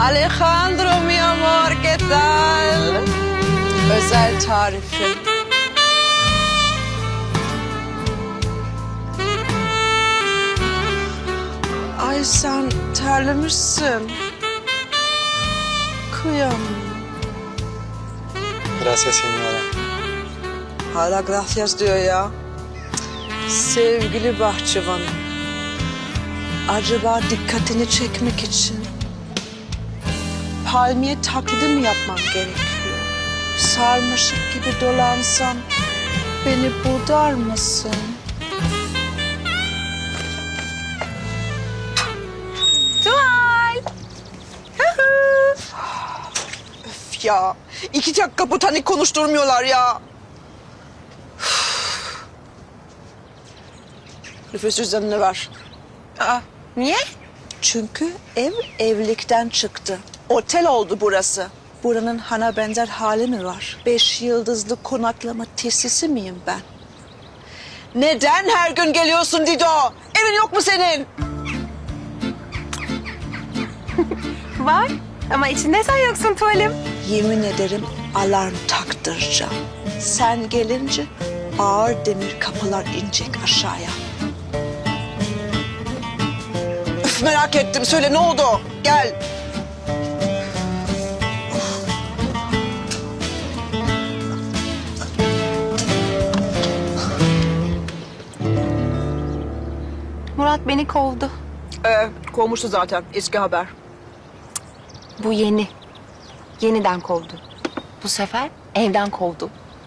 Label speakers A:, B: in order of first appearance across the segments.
A: Alejandro mi amor, ¿qué tal? Özel tarifi. Ay sen terlemişsin. Kıyamam.
B: Gracias señora.
A: Hala gracias diyor ya. Sevgili bahçıvanım. Acaba dikkatini çekmek için palmiye taklidi mi yapman gerekiyor? Sarmaşık gibi dolansam beni budar mısın?
C: Tuval.
A: Öf ya. 2 dakika botanik konuşturmuyorlar ya. Nüfus cüzdanını ver.
C: Aa, niye?
A: Çünkü ev evlilikten çıktı. Otel oldu burası. Buranın hana benzer hali mi var? 5 yıldızlı konaklama tesisi miyim ben? Neden her gün geliyorsun Dido? Evin yok mu senin?
C: Var ama içinde sen yoksun tuvalim.
A: Yemin ederim alarm taktıracağım. Sen gelince ağır demir kapılar inecek aşağıya. Üf, merak ettim. Söyle ne oldu? Gel.
C: Murat beni kovdu.
A: Kovmuştu zaten. Eski haber.
C: Bu yeni. Yeniden kovdu. Bu sefer evden kovdu.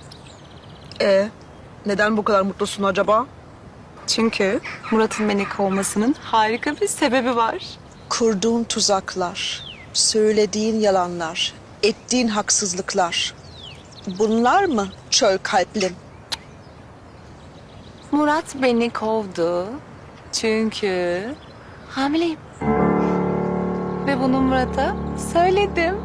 A: Neden bu kadar mutlusun acaba?
C: Çünkü Murat'ın beni kovmasının harika bir sebebi var.
A: Kurduğun tuzaklar, söylediğin yalanlar, ettiğin haksızlıklar. Bunlar mı çöl kalplim?
C: Murat beni kovdu. Çünkü hamileyim. Ve bunu Murat'a söyledim.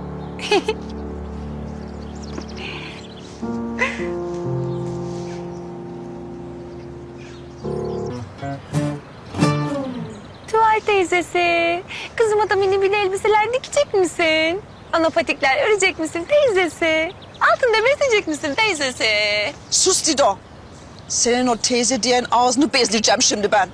C: Tuval teyzesi, kızıma da mini bir elbiseler dikecek misin? Anapatikler örecek misin teyzesi? Altında besleyecek misin teyzesi?
A: Sus Dido. Senin o teyze diyen ağzını bezdireceğim şimdi ben.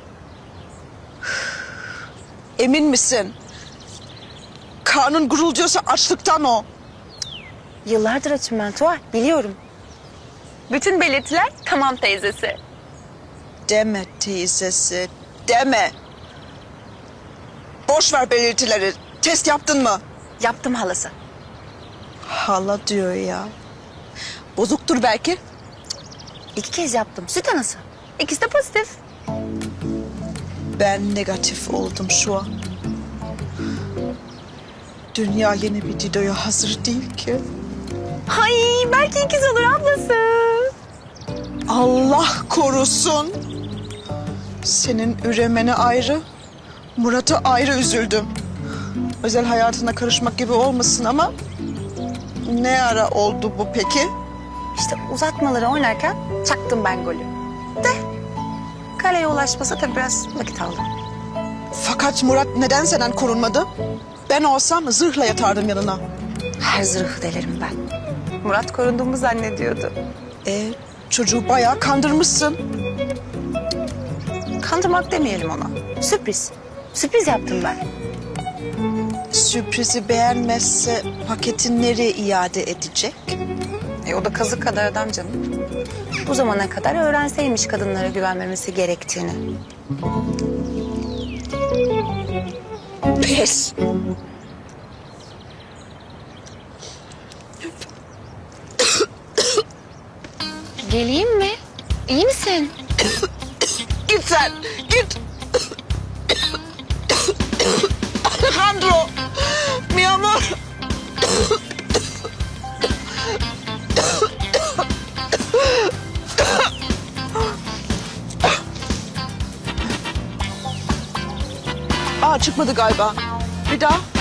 A: Emin misin? Karnın gurulduyorsa açlıktan o.
C: Yıllardır açım ben Tuval, biliyorum. Bütün belirtiler tamam teyzesi.
A: Deme teyzesi, deme. Boş ver belirtileri. Test yaptın mı?
C: Yaptım halası.
A: Hala diyor ya. Bozuktur belki.
C: 2 kez yaptım. Süt anası. İkisi de pozitif.
A: Ben negatif oldum şu an. Dünya yeni bir Dido'ya hazır değil ki.
C: Ay belki ikiz olur ablası.
A: Allah korusun. Senin üremene ayrı, Murat'a ayrı üzüldüm. Özel hayatına karışmak gibi olmasın ama ne ara oldu bu peki?
C: İşte uzatmaları oynarken çaktım ben golü. De kaleye ulaşması tabii biraz vakit aldı.
A: Fakat Murat neden senden korunmadı? Ben olsam zırhla yatardım yanına.
C: Her zırhı delerim ben. Murat korunduğumu zannediyordu.
A: Çocuğu bayağı kandırmışsın.
C: Kandırmak demeyelim ona. Sürpriz. Sürpriz yaptım ben.
A: Sürprizi beğenmezse paketi nereye iade edecek?
C: O da kazık kadar adam canım. Bu zamana kadar öğrenseymiş kadınlara güvenmemesi gerektiğini.
A: Pes.
C: Geleyim mi? İyi misin?
A: Git sen, git. Alejandro, mi amor. Çıkmadı galiba. Bir daha.